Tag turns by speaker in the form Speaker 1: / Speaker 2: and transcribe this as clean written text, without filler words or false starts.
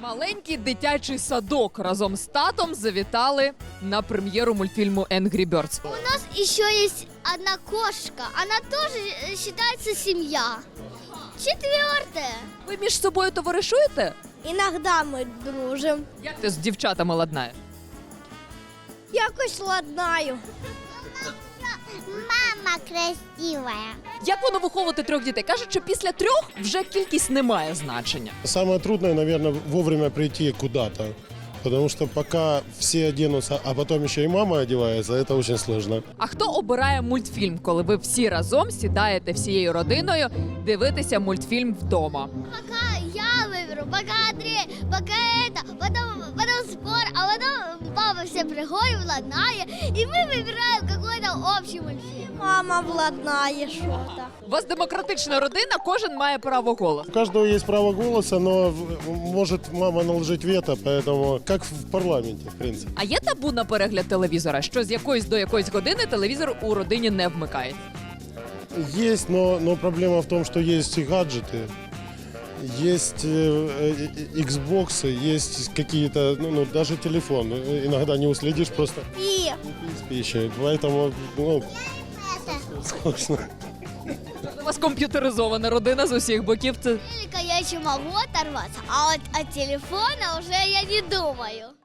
Speaker 1: Маленький дитячий садок разом з татом завітали на прем'єру мультфільму Angry Birds.
Speaker 2: У нас еще есть одна кошка. Она тоже считается семья. 4.
Speaker 1: Ви між собою товаришуєте?
Speaker 2: Иногда мы дружим.
Speaker 1: Як ти з дівчатами ладнаєш?
Speaker 2: Якось ладнаю. Мама красивая.
Speaker 1: Як воно виховувати 3 дітей? Кажуть, що після 3 вже кількість не має значення.
Speaker 3: Самое трудное, наверное, вовремя прийти куда-то. Потому что пока все оденутся, а потом еще и мама одевается, это очень сложно.
Speaker 1: А хто обирає мультфільм, коли ви всі разом сідаєте всією родиною дивитися мультфільм вдома?
Speaker 2: Пока я выберу, пока Андрей, пока это, потом спор, а потом папа все приходит, владнает, и мы выбираем какой-то общий мультфильм. Мама владнает что-то.
Speaker 1: У вас демократична родина, кожен має право голосу.
Speaker 3: У каждого есть право голоса, но может мама наложить вето, поэтому как в парламенте, в принципе.
Speaker 1: А є табу на перегляд телевізора, що з якоїсь до якоїсь години телевізор у родині не вмикається?
Speaker 3: Есть, но проблема в том, что есть и гаджеты, есть Xbox, есть какие-то, даже телефон. Иногда не уследишь просто
Speaker 2: И
Speaker 3: с пищей, поэтому, сложно.
Speaker 1: У вас комп'ютеризована родина з усіх боків. Це
Speaker 2: я еще могу оторваться, а вот от телефона уже я не думаю.